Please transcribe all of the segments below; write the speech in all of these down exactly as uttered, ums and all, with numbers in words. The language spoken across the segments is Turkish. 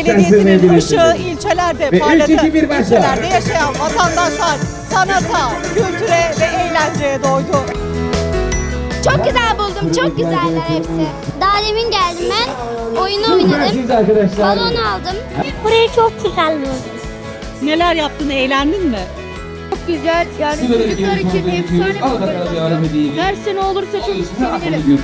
Belediyesi'nin ışığı ilçelerde parladı. İlçelerde yaşayan vatandaşlar sanata, kültüre ve eğlenceye doydu. Çok güzel buldum, çok güzeller hepsi. Daha demin geldim ben, oyunu oynadım, balon aldım. Burayı çok güzel buldum. Neler yaptın, eğlendin mi? Çok güzel, yani çocuklar için efsane bir organizasyon. Her sene olursa çok sevinirim.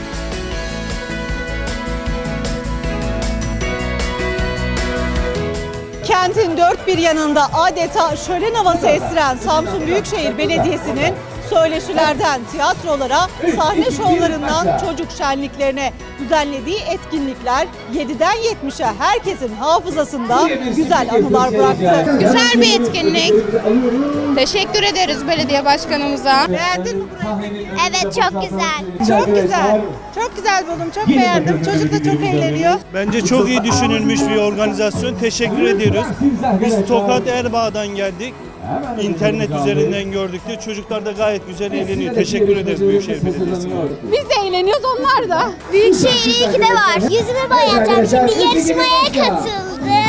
Kentin dört bir yanında adeta şölen havası estiren Samsun Büyükşehir Belediyesi'nin söyleşilerden tiyatrolara, sahne şovlarından çocuk şenliklerine düzenlediği etkinlikler yediden yetmişe herkesin hafızasında güzel anılar bıraktı. Güzel bir etkinlik. Teşekkür ederiz belediye başkanımıza. Beğendin mi burayı? Evet, çok güzel. Çok güzel. Çok güzel buldum. Çok beğendim. Çocuk da çok eğleniyor. Bence çok iyi düşünülmüş bir organizasyon. Teşekkür ediyoruz. Biz Tokat Erbaa'dan geldik. İnternet üzerinden gördük de çocuklar da gayet güzel eğleniyor. Teşekkür ederiz Büyükşehir Belediyesi'ne. Biz de eğleniyoruz, onlar da. Büyükşehir iyi ki de var. Yüzümü boyayacağım, şimdi yarışmaya katıldım.